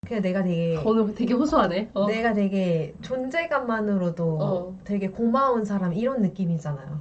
그냥 내가 되게 오늘 되게 호소하네. 내가 되게 존재감만으로도 되게 고마운 사람 이런 느낌이잖아요.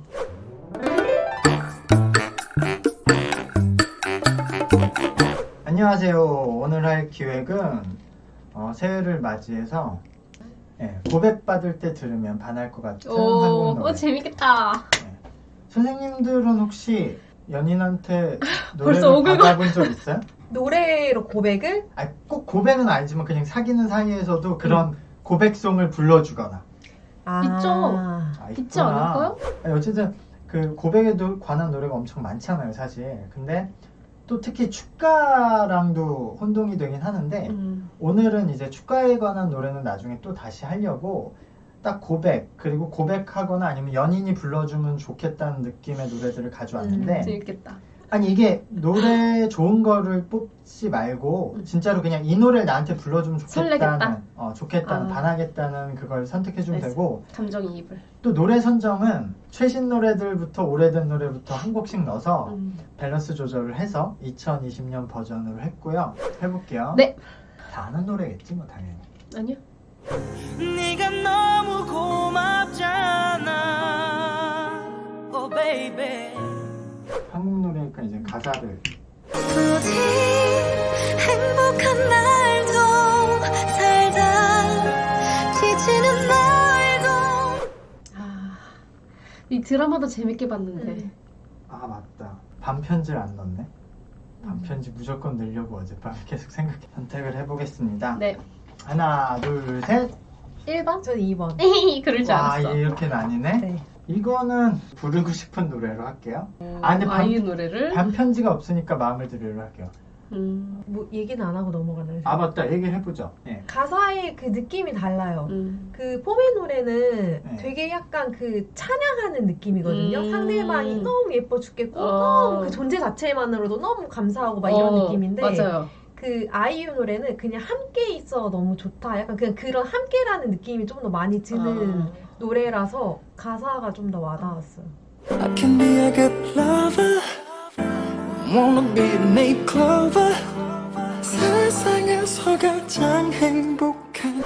안녕하세요. 오늘 할 기획은 새해를 맞이해서 고백받을 때 들으면 반할 것 같은 한국 노래. 재밌겠다. 선생님들은 혹시 연인한테 벌써 노래를 오글거려. 받아본 적 있어요? 노래로 고백을? 꼭 고백은 아니지만 그냥 사귀는 사이에서도 그런 고백송을 불러주거나. 있죠. 있지 있구나. 않을까요? 어쨌든 그 고백에 관한 노래가 엄청 많잖아요, 사실. 근데 또 특히 축가랑도 혼동이 되긴 하는데 오늘은 이제 축가에 관한 노래는 나중에 또 다시 하려고 딱 고백 그리고 고백하거나 아니면 연인이 불러주면 좋겠다는 느낌의 노래들을 가져왔는데 재밌겠다. 아니 이게 노래 좋은 거를 뽑지 말고 진짜로 그냥 이 노래를 나한테 불러주면 좋겠다는 좋겠다는 반하겠다는 그걸 선택해주면 되고 감정이입을. 또 노래 선정은 최신 노래들부터 오래된 노래부터 한 곡씩 넣어서 밸런스 조절을 해서 2020년 버전으로 했고요. 해볼게요. 네. 다 아는 노래겠지 뭐 당연히. 아니요. 네가 너무 고맙잖아 oh baby 한국 노래니까 이제 가사를 부디 행복한 날도 살다 지치는 날도. 이 드라마도 재밌게 봤는데. 아 맞다. 반편지를 안 넣네. 반편지 무조건 넣으려고 어젯밤에 계속 선택을 해보겠습니다. 네. 하나 둘 셋. 1번? 저는 2번. 그럴 줄 와 알았어. 이렇게 나뉘네. 네. 이거는 부르고 싶은 노래로 할게요. 근데 아이유 노래를? 반편지가 없으니까 마음을 드리려 할게요. 뭐 얘기는 안 하고 넘어가나요? 아 맞다. 얘기를 해보죠. 네. 가사의 그 느낌이 달라요. 그 포메 노래는 네. 되게 약간 그 찬양하는 느낌이거든요. 상대방이 너무 예뻐 죽겠고 너무 그 존재 자체만으로도 너무 감사하고 막 이런 느낌인데 맞아요. 그 아이유 노래는 그냥 함께 있어 너무 좋다. 약간 그냥 그런 함께라는 느낌이 좀 더 많이 드는 노래라서 가사가 좀 더 와닿았어요. I can be a good lover Wanna be a name clover 세상에서 가장 행복한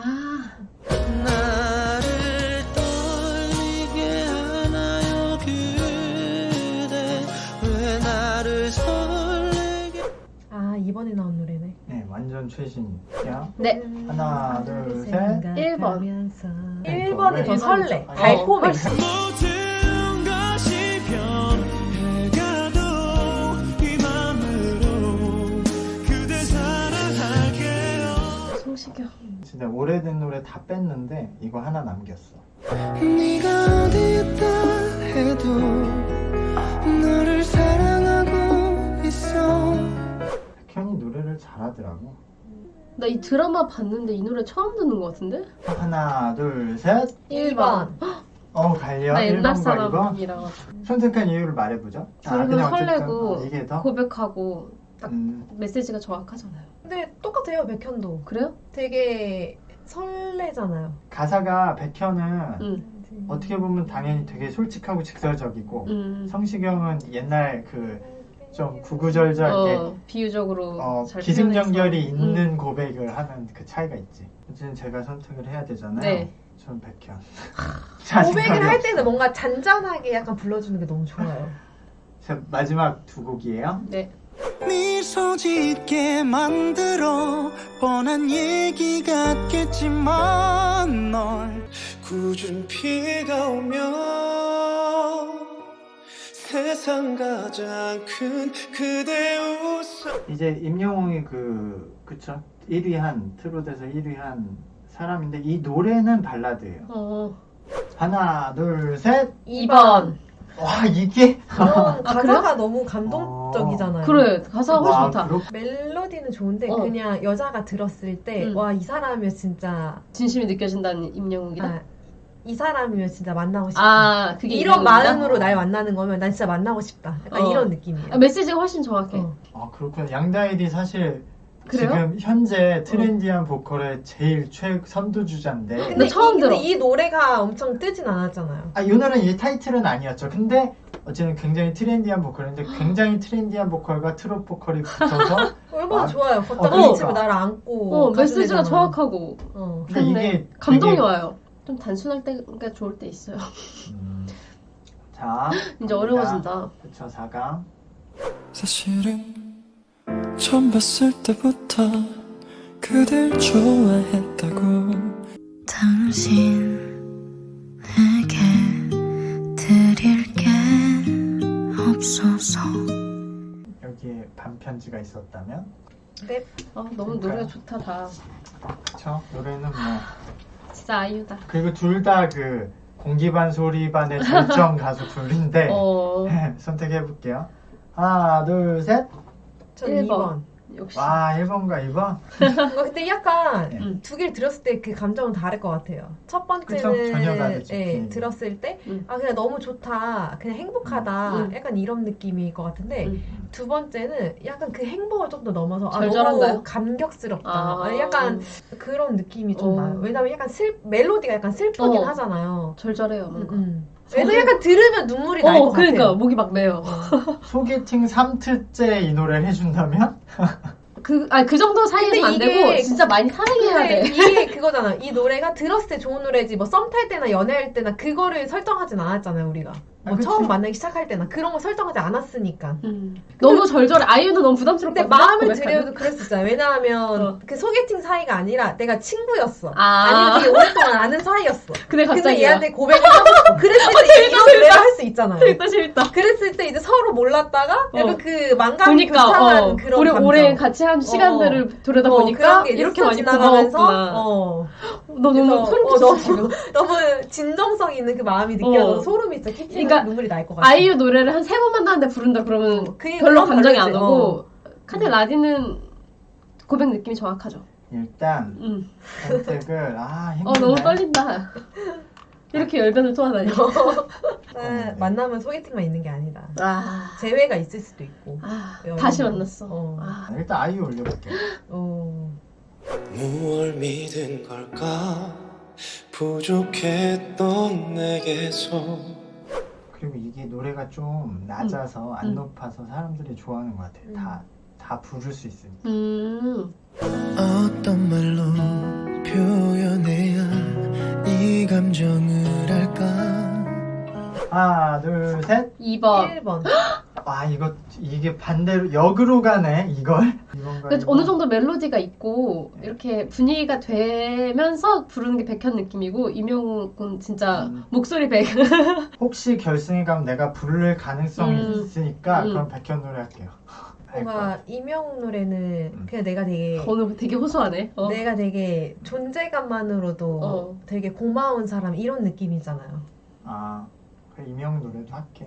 나를 떨리게 하나요 그대 왜 나를 설레게 이번에 나온 노래네. 네, 완전 최신이야. 네. 하나, 둘, 셋. 1번. 1번이 더 왜? 설레. 어, 달콤해. 모든 것이 변해가도 이 맘으로 그대 사랑할게요 성시경. 진짜 오래된 노래 다 뺐는데 이거 하나 남겼어. 네가 어디 있다 해도 너를 사랑하고 있어 백현이 노래를 잘하더라고. 나 이 드라마 봤는데 이 노래 처음 듣는 것 같은데? 하나, 둘, 셋. 1번. 갈려. 나 옛날 1번과 2번. 사람이라 선택한 이유를 말해보죠. 그리고 설레고 이게 더? 고백하고 딱 음, 메시지가 정확하잖아요. 근데 똑같아요, 백현도. 그래요? 되게 설레잖아요. 가사가 백현은 응. 어떻게 보면 당연히 되게 솔직하고 직설적이고 성시경은 옛날 그 좀 구구절절 비유적으로 잘 기승전결이 표현해서. 있는 고백을 하는 그 차이가 있지. 어쨌든 제가 선택을 해야 되잖아요. 네. 전 백현. 고백을 할 때는 뭔가 잔잔하게 약간 불러주는 게 너무 좋아요. 자, 마지막 두 곡이에요. 네. 미소 짓게 만들어 뻔한 얘기 같겠지만 널 굳은 비가 오면 세상 가장 큰 그대 웃음 이제 임영웅이 그쵸 1위 한 트롯에서 1위 한 사람인데 이 노래는 발라드예요. 하나 둘 셋. 2번. 와 이게 이런 가사가 너무 감동적이잖아요. 그래, 가사가 훨씬 와, 좋다. 멜로디는 좋은데 그냥 여자가 들었을 때 와 이 사람이면 진짜 진심이 느껴진다는 임영웅이다? 이 사람이면 진짜 만나고 싶다. 그게 이런 임영웅이다? 마음으로 날 만나는 거면 난 진짜 만나고 싶다. 약간 이런 느낌이에요. 메시지가 훨씬 정확해. 아 그렇구나. 양다일이 사실 그래요? 지금 현재 트렌디한 보컬의 제일 선두주자인데 근데 처음 들어. 이 노래가 엄청 뜨진 않았잖아요. 이 노래는 이 타이틀은 아니었죠. 근데 어쨌든 굉장히 트렌디한 보컬인데 굉장히 트렌디한 보컬과 트롯 보컬이 붙어서 얼마나 좋아요. 걷다가 그러니까. 미치고 나를 안고 메시지가 가주잖아. 정확하고 그러니까 이게 감동이 되게- 와요. 좀 단순할 때가 좋을 때 있어요. 자 이제 어려워진다. 그쵸 4강 사실은 처음 봤을 때부터 그댈 좋아했다고 당신에게 드릴 게 없어서 여기에 반편지가 있었다면 네. 너무 노래가 좋다 다. 그쵸 노래는 뭐 진짜 아이유다. 그리고 둘 다 그 공기반 소리반의 절정 가수 둘인데 선택해볼게요 하나 둘셋 전 1번. 2번. 역시. 와 1번과 2번 근데 약간 네. 두 개를 들었을 때 그 감정은 다를 것 같아요. 첫 그쵸? 전혀 번째는 다르죠, 분위기가. 들었을 때 음. 그냥 너무 좋다, 그냥 행복하다, 음. 약간 이런 느낌일 것 같은데 두 번째는 약간 그 행복을 좀 더 넘어서 절절한가요? 너무 감격스럽다. 아. 약간 그런 느낌이 좀 어. 나요. 왜냐면 약간 멜로디가 약간 슬프긴 어. 하잖아요. 절절해요 뭔가. 왜냐면 약간 들으면 눈물이 날 것 그러니까 같아요. 목이 막 메요. 소개팅 3트째 이 노래를 해준다면 그 정도 사이에서 안 근데 되고 이게- 진짜 많이 사랑해야 근데 돼. 이게 그거잖아. 이 노래가 들었을 때 좋은 노래지 뭐 썸 탈 때나 연애할 때나 그거를 설정하진 않았잖아요 우리가. 뭐 그치. 처음 만나기 시작할 때나 그런 거 설정하지 않았으니까. 너무 절절해. 아이유는 너무 부담스럽고. 근데 마음을 들여도 그럴 수 있잖아요. 왜냐하면 그 소개팅 사이가 아니라 내가 친구였어. 아니면 되게 오랫동안 아는 사이였어. 근데 근데 갑자기 얘한테 고백을 하고 싶어. 그랬을 때 이런 노래를 할 수 있잖아요. 재밌다. 그랬을 때 이제 서로 몰랐다가 약간 그 망각이 보니까 불창한 그런 우리 감정. 오래 같이 한 시간들을 돌아다 그런 보니까 게 이렇게 스쳐 많이 지나가면서 고마웠구나. 너 너무 소름 끼쳤어 지금. 너무 진정성 있는 그 마음이 느껴져서 어. 소름이 진짜 끼치고 그러니까 눈물이 날 것 같아. 아이유 노래를 한 3번 만나는데 부른다 그러면 그게 별로 그건 감정이 다르지. 안 오고 카드 라디는 고백 느낌이 정확하죠. 일단 선택을 힘드네 너무 떨린다. 이렇게 열변을 토하다니. 만나면 소개팅만 있는 게 아니다. 아, 재회가 있을 수도 있고. 다시 만났어. 어. 일단 아이유 올려볼게요 무얼 믿은 걸까 부족했던 내게서 그리고 이게 노래가 좀 낮아서 안 높아서 사람들이 좋아하는 것 같아요 다 부를 수 있으니까 어떤 말로 표현해야 이 감정을 할까 하나 둘셋 2번. 1번. 와 이게 반대로 역으로 가네 이걸 그러니까 어느 정도 멜로디가 있고 이렇게 분위기가 되면서 부르는 게 백현 느낌이고 이명은 진짜 목소리 백. 혹시 결승에 가면 내가 부를 가능성이 있으니까 음. 그럼 백현 노래 할게요 뭔가 이명 노래는 그냥 내가 되게 오늘 되게 호소하네. 내가 되게 존재감만으로도 어. 되게 고마운 사람 이런 느낌이잖아요. 그래 이명 노래도 할게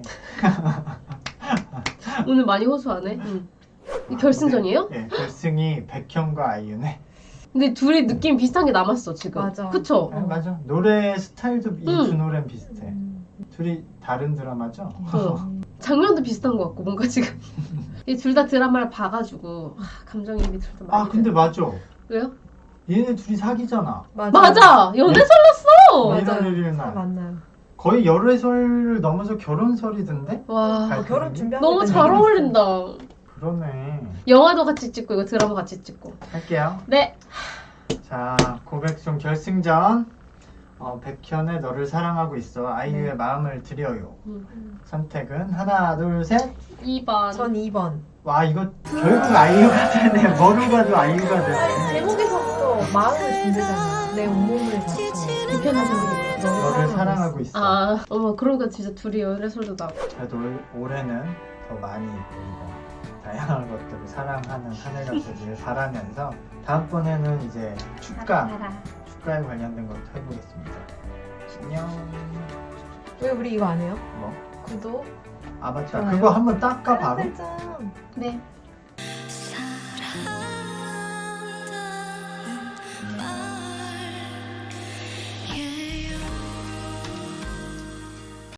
오늘 많이 호소하네. 이 결승전이에요? 네 결승이 백현과 아이유네 근데 둘이 느낌 비슷한 게 남았어 지금. 맞아. 그쵸? 맞아 노래 스타일도 이 두 노래는 비슷해 둘이 다른 드라마죠? 장면도 비슷한 것 같고 뭔가 지금 이 둘 다 드라마를 봐가지고 감정이입이 둘 다 많이 근데 돼요. 맞아 왜요? 얘네 둘이 사귀잖아 맞아! 연애 설났어! 맞아. 일요일 날. 만나요. 거의 열애설을 넘어서 결혼설이던데? 와 결혼 준비하고 너무 있다는 잘 얘기 어울린다. 그러네 영화도 같이 찍고 이거 드라마 같이 찍고. 할게요 네. 자 고백송 결승전 백현의 너를 사랑하고 있어 아이유의 마음을 드려요 선택은 하나 둘셋 2번. 전 2번. 와 이거 결국 아이유가 되네 뭐로 봐도 아이유가 되네 제목에서부터 마음을 준대잖아. 내 온몸을 바쳐. 백현은 너를 사랑하고 있어 어머 그러니까 진짜 둘이 연애설도 나고. 그래도 올해는 더 많이 우리가 다양한 것들을 사랑하는 한 해가 되길 바라면서 다음번에는 이제 축가에 관련된 것도 해보겠습니다 안녕 왜 우리 이거 안 해요? 뭐? 구독. 맞다 좋아요. 그거 한번 닦아 바로 알람 설정. 네.